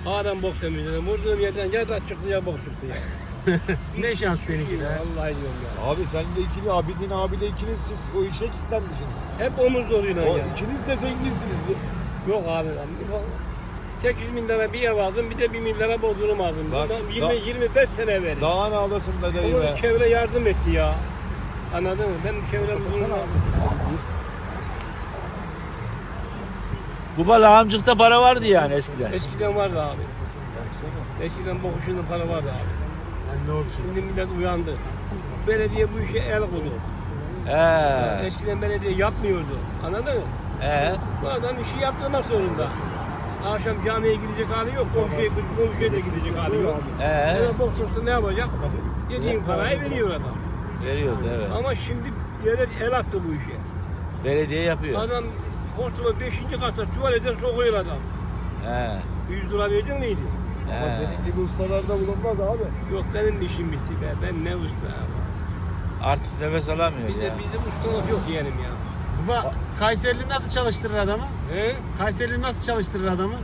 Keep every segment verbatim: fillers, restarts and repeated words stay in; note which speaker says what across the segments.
Speaker 1: Halen bok temizledim. Vurduğum yerden ya da çıktı ya bok çıktı ya.
Speaker 2: Ne şans seninki de.
Speaker 1: Vallahi diyorum ya.
Speaker 3: Abi seninle ikili, Abidin abiyle ikiniz siz o işe kilitlenmişsiniz.
Speaker 1: Hep omuz zoruyla
Speaker 3: O
Speaker 1: ya.
Speaker 3: ikiniz de zenginsiniz.
Speaker 1: Yok abi. sekiz bin lira bir ev aldım, bir de bir bin lira bozurum aldım.
Speaker 3: Bak,
Speaker 1: Bundan
Speaker 3: da-
Speaker 1: yirmi yirmi beş sene verdim.
Speaker 3: Daha ne ağlasın be dayı
Speaker 1: Ama
Speaker 3: be.
Speaker 1: çevre yardım etti ya. Anladın mı? Benim çevrem bunu...
Speaker 4: Kuba lağımcıkta para vardı yani eskiden.
Speaker 1: Eskiden vardı abi. Eskiden bokuşunda para vardı abi.
Speaker 2: Ne oldu şimdi?
Speaker 1: Şimdi millet uyandı. Belediye bu işe el koydu.
Speaker 4: He.
Speaker 1: Eskiden belediye yapmıyordu. Anladın mı?
Speaker 4: He.
Speaker 1: Bu adam işi yaptırmak zorunda. Akşam camiye gidecek hali yok. Komşuya, komşuya da gidecek hali yok.
Speaker 4: He.
Speaker 1: Ya bok tutsa ne yapacak? Dediğin parayı veriyor adam.
Speaker 4: Veriyordu evet.
Speaker 1: Ama şimdi devlet el attı bu işe.
Speaker 4: Belediye yapıyor.
Speaker 1: Adam hortuma beşinci kata tuvalete sokuyor adam.
Speaker 4: He.
Speaker 1: yüz lira verdin miydi?
Speaker 3: Ama
Speaker 4: He.
Speaker 3: senin gibi ustalarda bulunmaz abi.
Speaker 1: Yok benim de işim bitti be. Ben ne usta ya.
Speaker 4: Artık nefes alamıyor
Speaker 1: Bize,
Speaker 4: ya.
Speaker 1: bizim ustalık yok yeğenim ya.
Speaker 2: Baba Kayserili nasıl çalıştırır adamı?
Speaker 1: He?
Speaker 2: Kayserili nasıl çalıştırır adamı?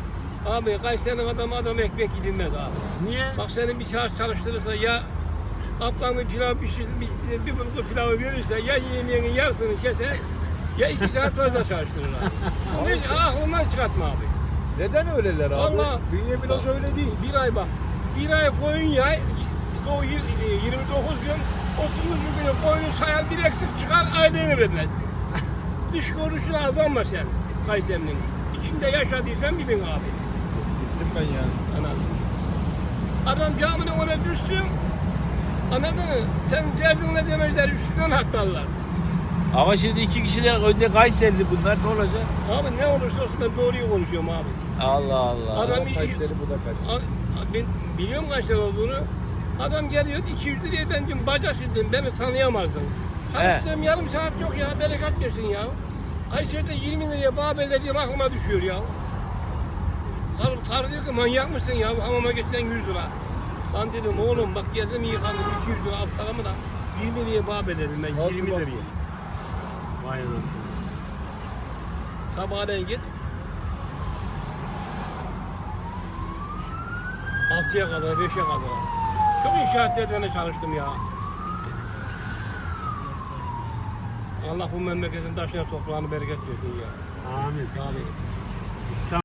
Speaker 1: Abi Kayseri'nin adamı adam ekmek gidilmez abi.
Speaker 2: Niye?
Speaker 1: Bak seni bir saat çalıştırırsa ya ablamın pilav pişirsin bir, bir bulgur pilavı verirse ya yemeğinin yarısını keser ya iki saat fazla çalıştırır abi. Bunu hiç aklından çıkartma abi.
Speaker 3: Neden öyleler abi?
Speaker 1: Vallahi-
Speaker 3: Bünye biraz öyle değil.
Speaker 1: Bir ay bak. Bir ay koyun yay. O yirmi dokuz gün otuzuncu günü koyunu sayar bir eksik çıkar aydını vermezsin. Dış görüşüne aldanma sen Kayseri'nin. İçinde yaşadıysan bilin abi.
Speaker 3: Gittim ben ya.
Speaker 1: Anladın. Adam camine ona düşsün. Anladın mı? Sen derdinle demezler üstünden haklarlar.
Speaker 4: Ama şimdi iki kişi de önde Kayserili bunlar ne olacak?
Speaker 1: Abi ne olursa olsun ben doğruyu konuşuyorum abi.
Speaker 4: Allah Allah.
Speaker 1: Adam
Speaker 3: O Kayseri bu da Kayseri.
Speaker 1: A- Ben biliyorum kaç lira olduğunu. Adam geliyor iki yüz liraya ben diyorum bacak sildim beni tanıyamazdın. Çalıştığım yarım saat yok ya bereket versin ya. Kayseri'de yirmi liraya Babel'de diyeyim aklıma düşüyor ya. Karı, karı diyor ki manyak mısın ya hamama geçsen yüz lira. Ben dedim oğlum bak geldim yıkandım iki yüz lira alt paramı da yirmi liraya Babel dedim ben
Speaker 3: Nasıl
Speaker 1: yirmi
Speaker 3: bak?
Speaker 1: liraya.
Speaker 2: Vay anasını.
Speaker 1: Sabahleyin git. Altıya kadar, beşe kadar. Çok inşaatlardan çalıştım ya. Allah bu memleketin taşına toprağını bereket versin ya.
Speaker 2: Amin.
Speaker 1: Abi.
Speaker 2: İstanbul.